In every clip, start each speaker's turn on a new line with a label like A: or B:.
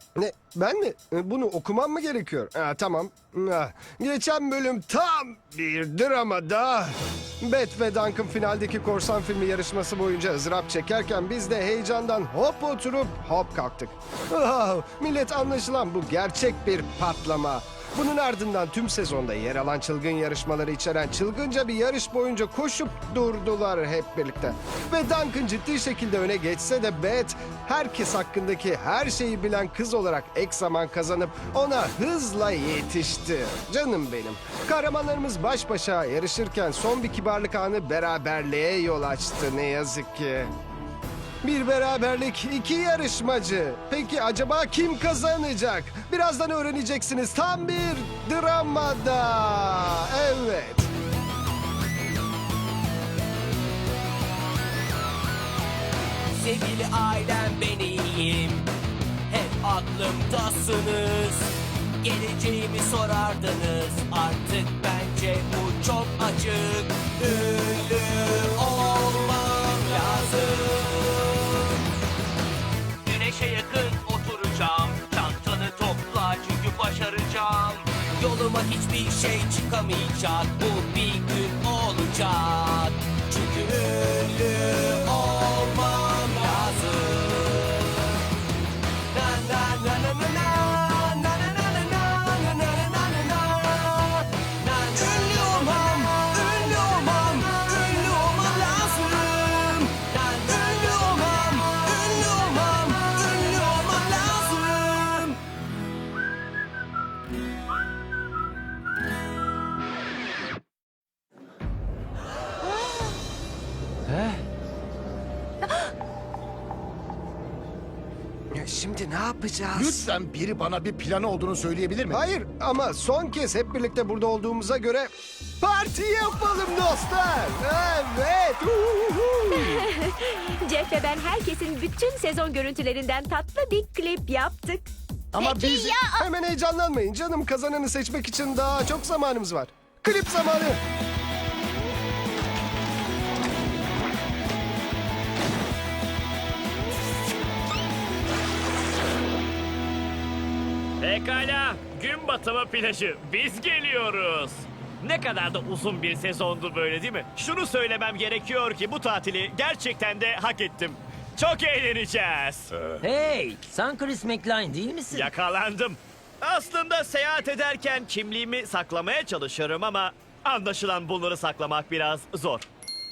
A: Ne? Ben mi? Bunu okumam mı gerekiyor? Tamam. Geçen bölüm tam bir dramada Beth ve Duncan finaldeki korsan filmi yarışması boyunca ızdırap çekerken biz de heyecandan hop oturup hop kalktık. Millet anlaşılan bu gerçek bir patlama. Bunun ardından tüm sezonda yer alan çılgın yarışmaları içeren çılgınca bir yarış boyunca koşup durdular hep birlikte. Ve Duncan ciddi şekilde öne geçse de Beth herkes hakkındaki her şeyi bilen kız olarak ek zaman kazanıp ona hızla yetişti. Canım benim. Kahramanlarımız baş başa yarışırken son bir kibarlık anı beraberliğe yol açtı ne yazık ki. Bir beraberlik, iki yarışmacı. Peki acaba kim kazanacak? Birazdan öğreneceksiniz. Tam bir dramada. Evet.
B: Sevgili ailem ben iyiyim. Hep aklımdasınız. Geleceğimi sorardınız. Artık bence bu çok açık. Ünlü olmam lazım. Güneşe yakın oturacağım. Çantanı topla çünkü başaracağım. Yoluma hiçbir şey çıkamayacak. Bu bir gün olacak. Çünkü ünlü olmam lazım. Na na na na na na. Na na na na na. Na na na na na. Na ünlü olmam, ünlü olmam, ünlü olmam lazım. Na ünlü olmam, ünlü olmam, ünlü olmam lazım.
A: Şimdi ne yapacağız?
C: Lütfen biri bana bir planı olduğunu söyleyebilir mi?
A: Hayır ama son kez hep birlikte burada olduğumuza göre parti yapalım dostlar. Evet.
D: Jeff ve ben herkesin bütün sezon görüntülerinden tatlı bir klip yaptık.
C: Ama
E: Peki
C: biz...
E: ya
A: Hemen heyecanlanmayın canım. Kazananı seçmek için daha çok zamanımız var. Klip zamanı.
F: Pekala, gün batımı plajı. Biz geliyoruz. Ne kadar da uzun bir sezondu böyle değil mi? Şunu söylemem gerekiyor ki bu tatili gerçekten de hak ettim. Çok eğleneceğiz.
G: Hey, sen Chris McLean değil misin?
F: Yakalandım. Aslında seyahat ederken kimliğimi saklamaya çalışırım ama anlaşılan bunları saklamak biraz zor.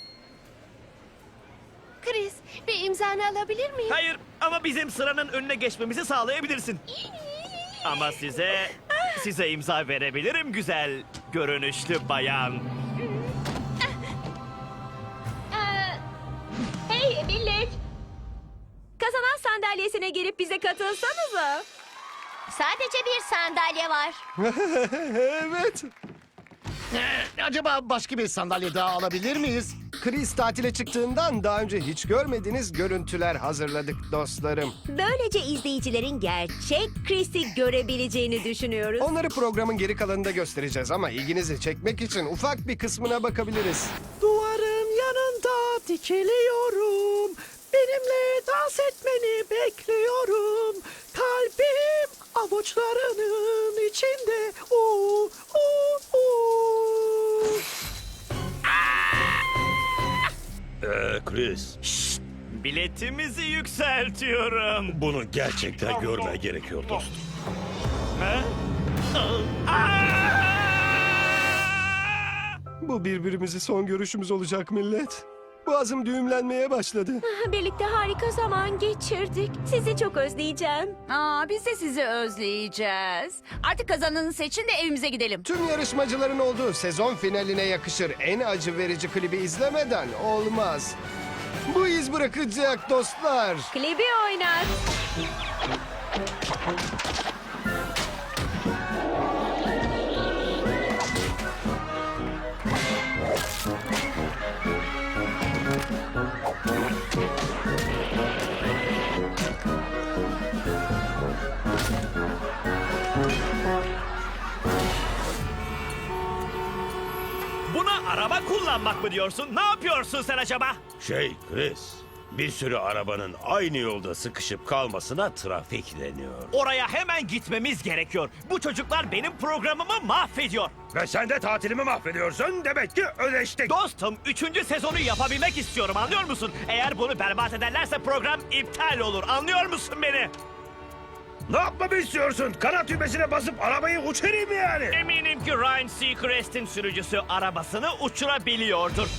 E: Chris, bir imzanı alabilir miyim?
F: Hayır ama bizim sıranın önüne geçmemizi sağlayabilirsin. Ama size imza verebilirim güzel görünüşlü bayan.
D: Hey millet! Kazanan sandalyesine gelip bize katılsanıza.
E: Sadece bir sandalye var.
A: Evet.
C: Acaba başka bir sandalye daha alabilir miyiz?
A: Chris tatile çıktığından daha önce hiç görmediğiniz görüntüler hazırladık dostlarım.
D: Böylece izleyicilerin gerçek Chris'i görebileceğini düşünüyoruz.
A: Onları programın geri kalanında göstereceğiz ama ilginizi çekmek için ufak bir kısmına bakabiliriz.
H: Duvarın yanında dikiliyorum. Benimle dans etmeni bekliyorum. Kalbim avuçlarının içinde. Oo, oo, oo.
I: Chris,
F: Biletimizi yükseltiyorum.
I: bunu gerçekten görmen gerekiyor dostum.
F: Ha? Aa!
A: Bu birbirimizi son görüşümüz olacak millet. Boğazım düğümlenmeye başladı.
D: Birlikte harika zaman geçirdik. Sizi çok özleyeceğim.
J: Biz de sizi özleyeceğiz. Artık kazananı seçin de evimize gidelim.
A: Tüm yarışmacıların olduğu sezon finaline yakışır en acı verici klibi izlemeden olmaz. Bu iz bırakacak dostlar.
D: Klibi oynat.
F: Buna araba kullanmak mı diyorsun? Ne yapıyorsun sen acaba?
I: Chris, Bir sürü arabanın aynı yolda sıkışıp kalmasına trafik deniyor.
F: Oraya hemen gitmemiz gerekiyor. Bu çocuklar benim programımı mahvediyor.
I: Ve sen de tatilimi mahvediyorsun. Demek ki ödeştik.
F: Dostum 3. sezonu yapabilmek istiyorum, anlıyor musun? Eğer bunu berbat ederlerse program iptal olur, anlıyor musun beni?
I: Ne yapmamı istiyorsun? Kanat düğmesine basıp arabayı uçurayım mı yani?
F: Eminim ki Ryan Seacrest'in sürücüsü arabasını uçurabiliyordur.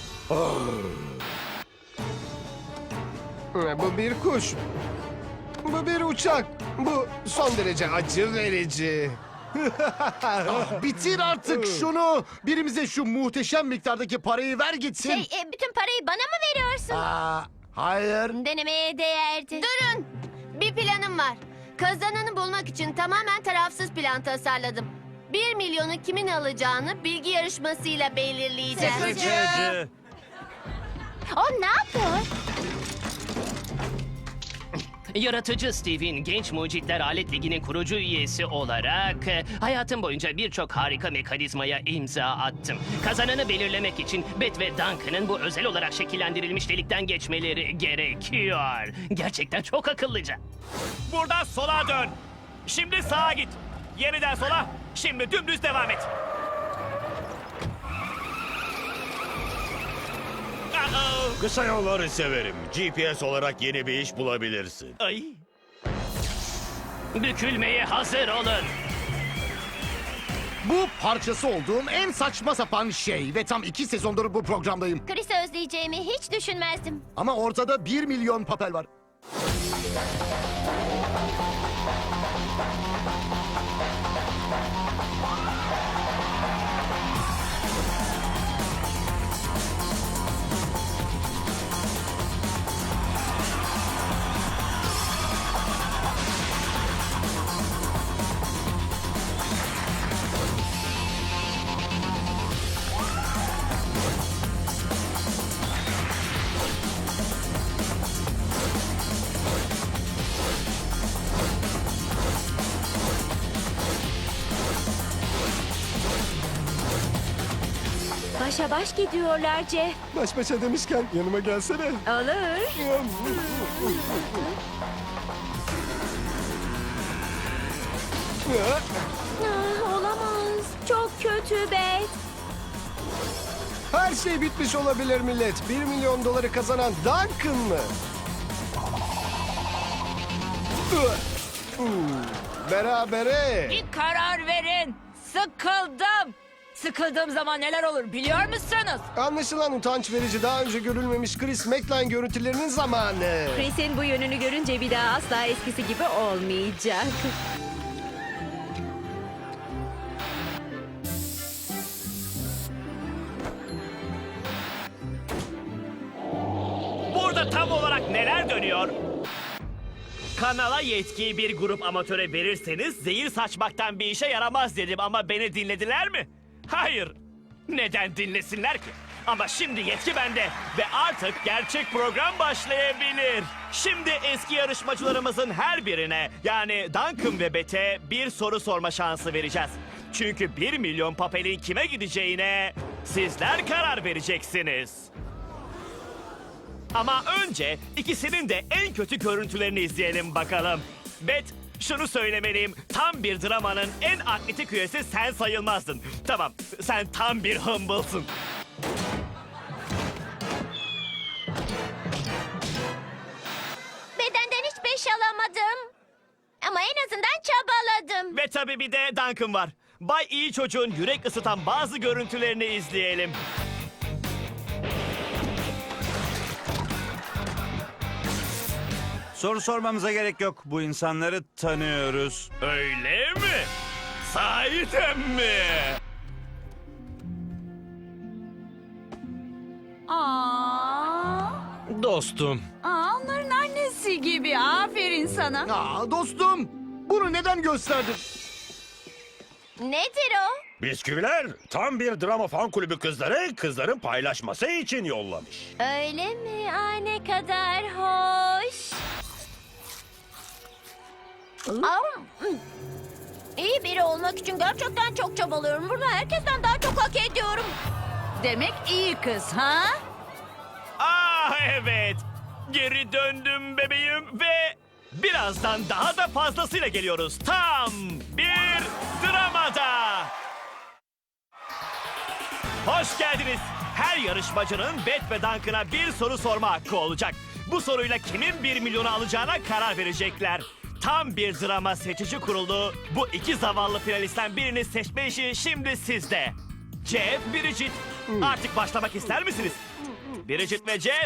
A: Bu bir kuş. Bu bir uçak. Bu son derece acı verici.
C: Bitir artık şunu. Birimize şu muhteşem miktardaki parayı ver gitsin.
E: Bütün parayı bana mı veriyorsun?
C: Hayır.
E: Denemeye değerdi. Durun. Bir planım var. Kazananı bulmak için tamamen tarafsız plan tasarladım. 1 milyonu kimin alacağını bilgi yarışmasıyla belirleyeceğiz.
F: Sıkıcı.
E: O ne yapıyor?
K: Yaratıcı Steve'in Genç Mucitler Alet Ligi'nin kurucu üyesi olarak hayatım boyunca birçok harika mekanizmaya imza attım. Kazananı belirlemek için Beth ve Duncan'ın bu özel olarak şekillendirilmiş delikten geçmeleri gerekiyor. Gerçekten çok akıllıca.
F: Buradan sola dön. Şimdi sağa git. Yeniden sola. Şimdi dümdüz devam et. Uh-oh.
I: Kısa yolları severim. GPS olarak yeni bir iş bulabilirsin.
F: Ay.
K: Bükülmeye hazır olun.
C: Bu parçası olduğum en saçma sapan şey ve tam 2 sezondur bu programdayım.
E: Chris'i özleyeceğimi hiç düşünmezdim.
C: Ama ortada 1 milyon papel var.
D: Başa baş gidiyorlar Jeff.
A: Baş başa demişken yanıma gelsene.
D: Olur. Olamaz. Çok kötü Beth.
A: Her şey bitmiş olabilir millet. 1 milyon doları kazanan Duncan mı? Berabere.
J: Bir karar verin. Sıkıldım. Sıkıldığım zaman neler olur biliyor musunuz?
A: Anlaşılan utanç verici, daha önce görülmemiş Chris McLean görüntülerinin zamanı.
D: Chris'in bu yönünü görünce bir daha asla eskisi gibi olmayacak.
F: Burada tam olarak neler dönüyor? Kanala yetkiyi bir grup amatöre verirseniz zehir saçmaktan bir işe yaramaz dedim ama beni dinlediler mi? Hayır. Neden dinlesinler ki? Ama şimdi yetki bende ve artık gerçek program başlayabilir. Şimdi eski yarışmacılarımızın her birine yani Duncan ve Beth'e bir soru sorma şansı vereceğiz. Çünkü 1 milyon papelin kime gideceğine sizler karar vereceksiniz. Ama önce ikisinin de en kötü görüntülerini izleyelim bakalım. Beth, şunu söylemeliyim. Tam bir dramanın en atletik üyesi sen sayılmazdın. Tamam, sen tam bir humble'sın.
E: Bedenden hiç 5 alamadım. Ama en azından çabaladım.
F: Ve tabii bir de Duncan var. Bay iyi çocuğun yürek ısıtan bazı görüntülerini izleyelim.
L: Soru sormamıza gerek yok. Bu insanları tanıyoruz.
F: Öyle mi? Sahiden mi?
G: Dostum.
J: Onların annesi gibi. Aferin sana.
C: Aa, dostum, bunu neden gösterdin?
E: Nedir o?
I: Bisküviler tam bir drama fan kulübü kızların paylaşması için yollamış.
E: Öyle mi? Ay ne kadar hoş. İyi biri olmak için gerçekten çok çabalıyorum. Bunu herkesten daha çok hak ediyorum.
J: Demek iyi kız ha?
F: Ah evet. Geri döndüm bebeğim ve birazdan daha da fazlasıyla geliyoruz. Tam bir dramada. Hoş geldiniz. Her yarışmacının Bet ve Duncan'a bir soru sorma hakkı olacak. Bu soruyla kimin 1 milyonu alacağına karar verecekler. Tam bir drama seçici kurulu. Bu iki zavallı finalistten birini seçme işi şimdi sizde. Jeff, Bridget. Artık başlamak ister misiniz? Bridget ve Jeff.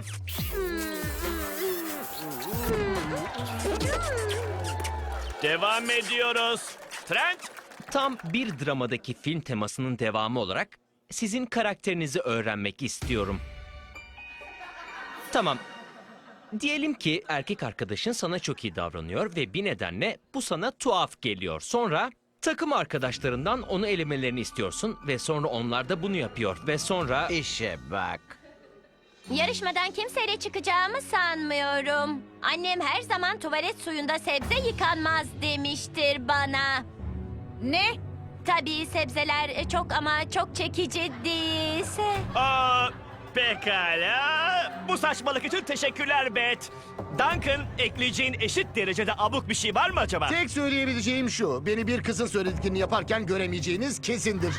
F: Devam ediyoruz. Trent.
M: Tam bir dramadaki film temasının devamı olarak sizin karakterinizi öğrenmek istiyorum. Tamam. Diyelim ki erkek arkadaşın sana çok iyi davranıyor ve bir nedenle bu sana tuhaf geliyor. Sonra takım arkadaşlarından onu elemelerini istiyorsun ve sonra onlar da bunu yapıyor ve sonra...
G: İşe bak.
E: Yarışmadan kimseyle çıkacağımı sanmıyorum. Annem her zaman tuvalet suyunda sebze yıkanmaz demiştir bana.
J: Ne?
E: Tabii sebzeler çok ama çok çekici değilse.
F: Aa, pekala. Bu saçmalık için teşekkürler Bet. Duncan, ekleyeceğin eşit derecede abuk bir şey var mı acaba?
C: Tek söyleyebileceğim şu. Beni bir kızın söylediklerini yaparken göremeyeceğiniz kesindir.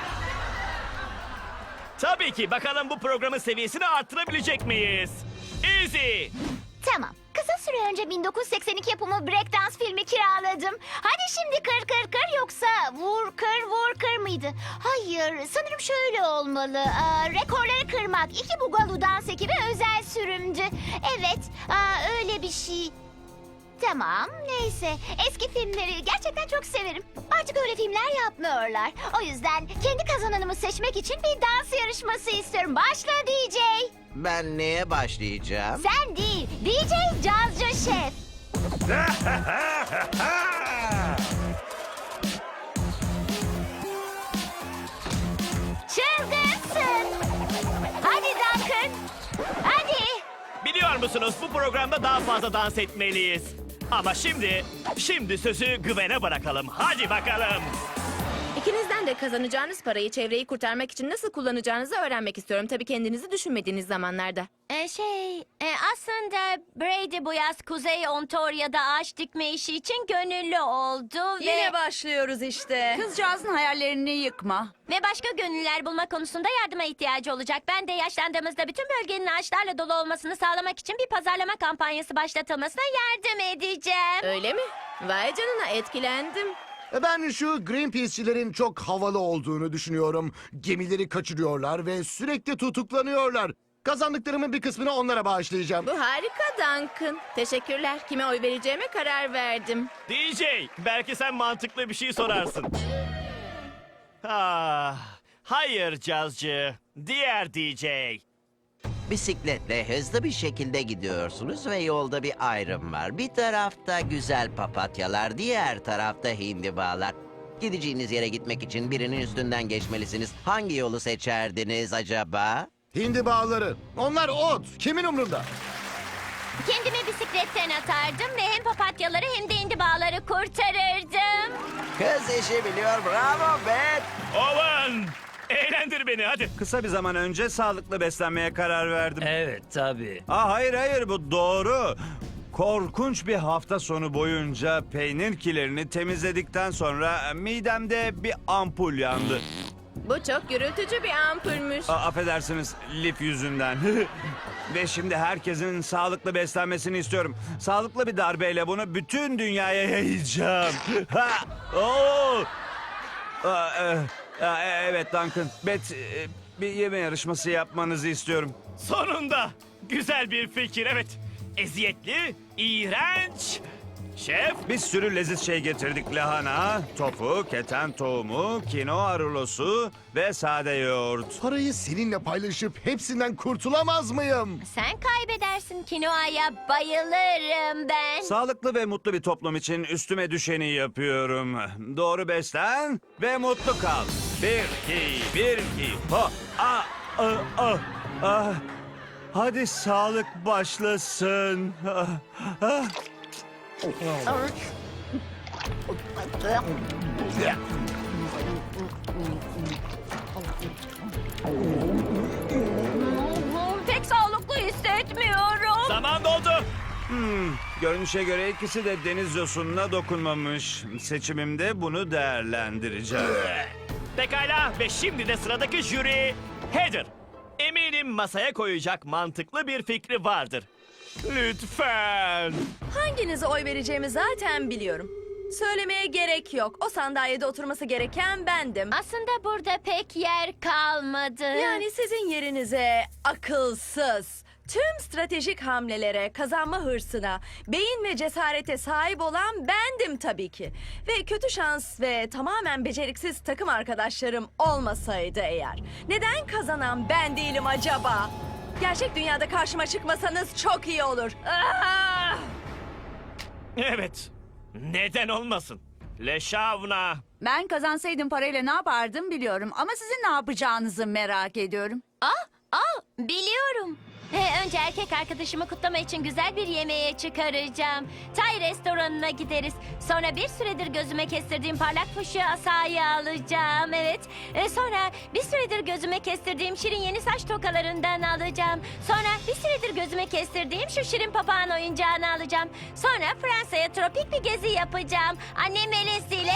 F: Tabii ki. Bakalım bu programın seviyesini arttırabilecek miyiz? Easy.
E: Tamam. Kısa süre önce 1982 yapımı Breakdance filmi kiraladım. Hadi şimdi kır kır kır yoksa vur kır mıydı? Hayır, sanırım şöyle olmalı. Rekorları kırmak. 2 Bugalu dans ekibi özel sürümdü. Evet, öyle bir şey. Tamam, neyse. Eski filmleri gerçekten çok severim. Artık öyle filmler yapmıyorlar. O yüzden kendi kazananımı seçmek için bir dans yarışması istiyorum. Başla DJ.
G: Ben neye başlayacağım?
E: Sen değil, DJ Cazcı Şef. Çılgınsın. Hadi Duncan. Hadi.
F: Biliyor musunuz bu programda daha fazla dans etmeliyiz. Ama şimdi sözü Gwen'e bırakalım. Hadi bakalım.
D: İkinizden de kazanacağınız parayı çevreyi kurtarmak için nasıl kullanacağınızı öğrenmek istiyorum. Tabii kendinizi düşünmediğiniz zamanlarda.
E: Aslında Brady bu yaz Kuzey Ontario'da ağaç dikme işi için gönüllü oldu ve...
J: Yine başlıyoruz işte. Kızcağızın hayallerini yıkma.
E: Ve başka gönüllüler bulma konusunda yardıma ihtiyacı olacak. Ben de yaşlandığımızda bütün bölgenin ağaçlarla dolu olmasını sağlamak için bir pazarlama kampanyası başlatılmasına yardım edeceğim.
D: Öyle mi? Vay canına, etkilendim.
C: Ben şu Greenpeace'çilerin çok havalı olduğunu düşünüyorum. Gemileri kaçırıyorlar ve sürekli tutuklanıyorlar. Kazandıklarımın bir kısmını onlara bağışlayacağım.
D: Bu harika Duncan. Teşekkürler. Kime oy vereceğime karar verdim.
F: DJ, belki sen mantıklı bir şey sorarsın. Hayır cazcı. Diğer DJ.
G: Bisikletle hızlı bir şekilde gidiyorsunuz ve yolda bir ayrım var. Bir tarafta güzel papatyalar, diğer tarafta hindibalar. Gideceğiniz yere gitmek için birinin üstünden geçmelisiniz. Hangi yolu seçerdiniz acaba?
C: Hindi bağları. Onlar ot. Kimin umrunda?
E: Kendimi bisikletten atardım ve hem papatyaları hem de indibağları kurtarırdım.
G: Kız işi biliyor, bravo Beth.
F: Owen! Eğlendir beni hadi.
L: Kısa bir zaman önce sağlıklı beslenmeye karar verdim.
G: Evet tabii.
L: Hayır bu doğru. Korkunç bir hafta sonu boyunca peynir kilerini temizledikten sonra midemde bir ampul yandı.
D: Bu çok gürültücü bir ampulmüş.
L: Affedersiniz lif yüzünden. Ve şimdi herkesin sağlıklı beslenmesini istiyorum. Sağlıklı bir darbeyle bunu bütün dünyaya yayacağım. Evet Duncan. Beth, bir yeme yarışması yapmanızı istiyorum.
F: Sonunda. Güzel bir fikir evet. Eziyetli, iğrenç. Şef.
L: Bir sürü leziz şey getirdik. Lahana, tofu, keten tohumu, kinoa rulosu ve sade yoğurt.
C: Parayı seninle paylaşıp hepsinden kurtulamaz mıyım?
E: Sen kaybedersin, kinoaya bayılırım ben.
L: Sağlıklı ve mutlu bir toplum için üstüme düşeni yapıyorum. Doğru beslen ve mutlu kal. Bir, iki, ho, Hadi sağlık başlasın.
E: Pek sağlıklı hissetmiyorum.
F: Zaman doldu.
L: Görünüşe göre ikisi de deniz yosununa dokunmamış. Seçimimde bunu değerlendireceğim.
F: Pekala ve şimdi de sıradaki jüri Heather. Eminim masaya koyacak mantıklı bir fikri vardır. Lütfen.
D: Hanginize oy vereceğimi zaten biliyorum. Söylemeye gerek yok. O sandalyede oturması gereken bendim.
E: Aslında burada pek yer kalmadı.
D: Yani sizin yerinize akılsız, tüm stratejik hamlelere, kazanma hırsına, beyin ve cesarete sahip olan bendim tabii ki. Ve kötü şans ve tamamen beceriksiz takım arkadaşlarım olmasaydı eğer, neden kazanan ben değilim acaba? Gerçek dünyada karşıma çıkmasanız çok iyi olur. Ah!
F: Evet. Neden olmasın? Leşavna.
J: Ben kazansaydım parayla ne yapardım biliyorum ama sizin ne yapacağınızı merak ediyorum.
E: Biliyorum. Önce erkek arkadaşımı kutlama için güzel bir yemeğe çıkaracağım. Tay restoranına gideriz. Sonra bir süredir gözüme kestirdiğim parlak fuşya asayı alacağım. Evet. Sonra bir süredir gözüme kestirdiğim şirin yeni saç tokalarından alacağım. Sonra bir süredir gözüme kestirdiğim şu şirin papağan oyuncağını alacağım. Sonra Fransa'ya tropik bir gezi yapacağım. Annem Melesi'yle.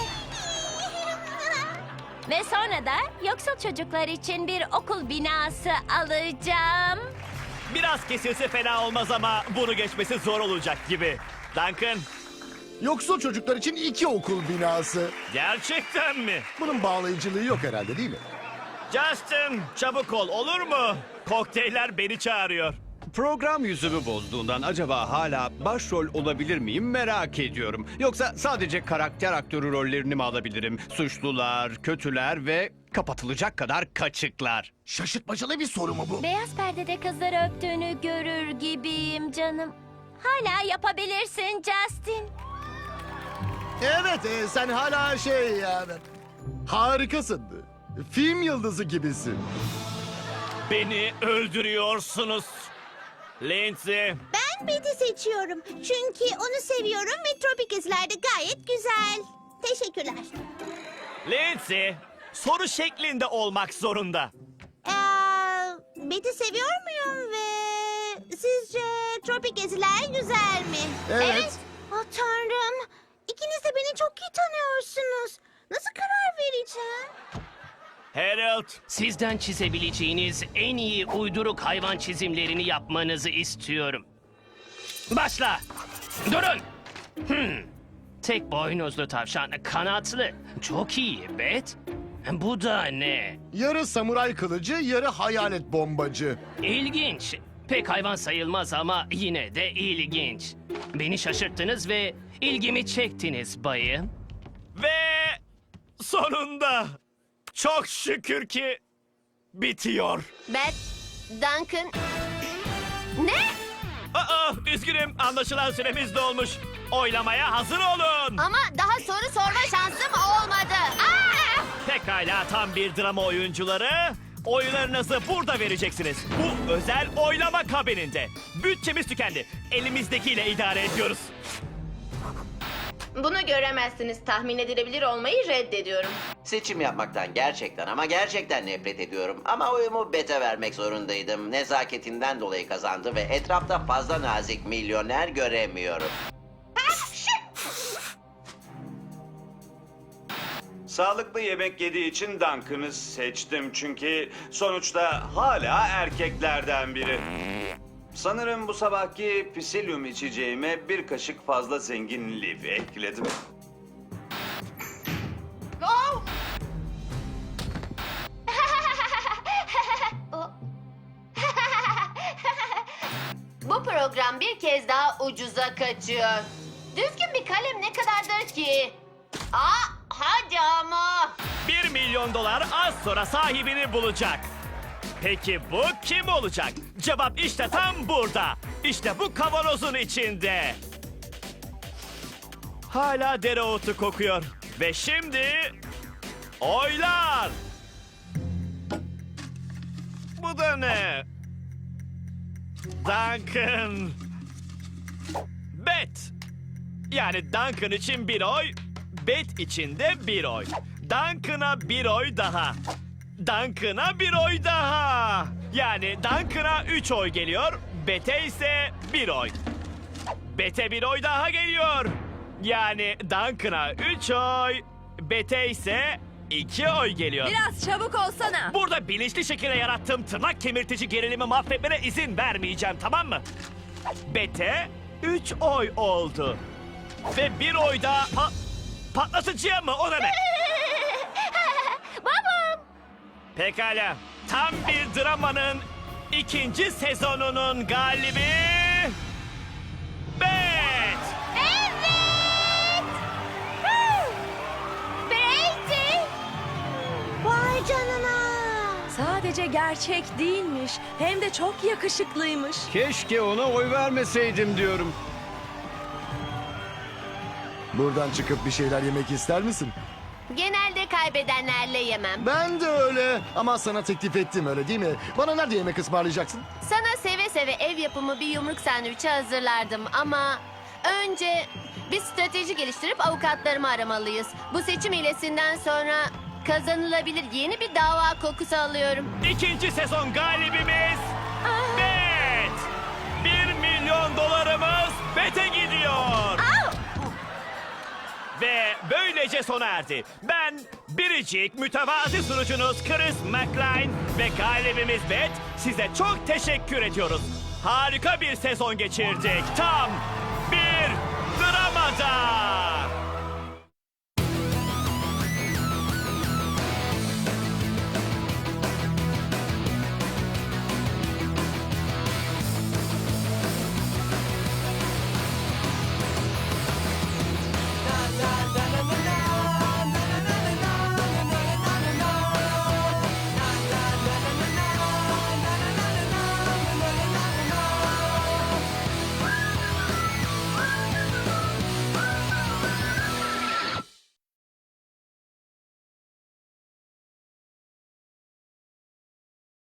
E: Ve sonra da yoksul çocuklar için bir okul binası alacağım.
F: Biraz kesilse fena olmaz ama bunu geçmesi zor olacak gibi. Duncan,
C: Yoksul çocuklar için 2 okul binası.
F: gerçekten mi?
C: Bunun bağlayıcılığı yok herhalde değil mi?
F: Justin, çabuk ol olur mu? Kokteyller beni çağırıyor.
N: Program yüzümü bozduğundan acaba hala başrol olabilir miyim merak ediyorum. Yoksa sadece karakter aktörü rollerini mi alabilirim? Suçlular, kötüler ve kapatılacak kadar kaçıklar.
C: Şaşırtmacalı bir soru mu bu?
E: Beyaz perdede kızları öptüğünü görür gibiyim canım. Hala yapabilirsin Justin.
C: Evet, sen hala harikasın. Film yıldızı gibisin.
F: Beni öldürüyorsunuz. Lindsay,
E: Ben Betty seçiyorum. Çünkü onu seviyorum ve tropik gezilerde gayet güzel. Teşekkürler.
F: Lindsay, soru şeklinde olmak zorunda.
E: Betty seviyor muyum ve sizce tropik geziler güzel mi?
C: Evet.
E: Tanrım. İkiniz de beni çok iyi tanıyorsunuz. Nasıl karar vereceğim?
F: Harold,
K: Sizden çizebileceğiniz en iyi uyduruk hayvan çizimlerini yapmanızı istiyorum. Başla. Durun. Tek boynuzlu tavşan, kanatlı. Çok iyi, Bet. Bu da ne?
C: Yarı samuray kılıcı, yarı hayalet bombacı.
K: İlginç. Pek hayvan sayılmaz ama yine de ilginç. Beni şaşırttınız ve ilgimi çektiniz bayım.
F: ve sonunda çok şükür ki bitiyor.
E: Beth, Duncan... Ne?
F: Üzgünüm, anlaşılan süremiz dolmuş. Oylamaya hazır olun.
E: Ama daha soru sorma şansım olmadı.
F: Pekala, tam bir drama oyuncuları. Oylarınızı burada vereceksiniz. Bu özel oylama kabininde. Bütçemiz tükendi. Elimizdekiyle idare ediyoruz.
D: Bunu göremezsiniz. Tahmin edilebilir olmayı reddediyorum.
G: Seçim yapmaktan gerçekten ama gerçekten nefret ediyorum. Ama oyumu Bete vermek zorundaydım. Nezaketinden dolayı kazandı ve etrafta fazla nazik milyoner göremiyorum.
L: Sağlıklı yemek yediği için Duncan'ı seçtim çünkü sonuçta hala erkeklerden biri. Sanırım bu sabahki pisilyum içeceğime bir kaşık fazla zengin liv ekledim.
E: Bu program bir kez daha ucuza kaçıyor. Düzgün bir kalem ne kadardır ki? Hadi ama.
F: $1 milyon az sonra sahibini bulacak. Peki bu kim olacak? Cevap işte tam burada. İşte bu kavanozun içinde. Hala dereotu kokuyor. Ve şimdi oylar. Bu da ne? Duncan. Bet. Yani Duncan için bir oy, Bet için de bir oy. Duncan'a bir oy daha. Duncan'a bir oy daha. Yani Duncan'a 3 oy geliyor, Bet'e ise 1 oy. Bete 1 oy daha geliyor. Yani Duncan'a 3 oy. Bete ise 2 oy geliyor.
D: Biraz çabuk olsana.
F: Burada bilinçli şekilde yarattığım tırnak kemirtici gerilimi mahvetmene izin vermeyeceğim, tamam mı? Bete 3 oy oldu. Ve 1 oy da... patlatıcıya mı? O da ne?
E: Babam.
F: Pekala. Tam bir dramanın 2. sezonunun galibi... Bet!
E: Evet. Brady. Vay canına.
D: Sadece gerçek değilmiş. Hem de çok yakışıklıymış.
N: Keşke ona oy vermeseydim diyorum.
C: Buradan çıkıp bir şeyler yemek ister misin?
E: Genelde kaybedenlerle yemem.
C: Ben de öyle. Ama sana teklif ettim, öyle değil mi? Bana nerede yemek ısmarlayacaksın?
E: Sana seve seve ev yapımı bir yumruk sandviçi hazırlardım ama önce bir strateji geliştirip avukatlarımı aramalıyız. Bu seçim hilesinden sonra kazanılabilir yeni bir dava kokusu alıyorum.
F: 2. sezon galibimiz... Bet! 1 milyon dolarımız Bet'e gidiyor. Ve böylece sona erdi. Ben biricik mütevazi sunucunuz Chris McLean ve galibimiz Bet size çok teşekkür ediyoruz. Harika bir sezon geçirdik. Tam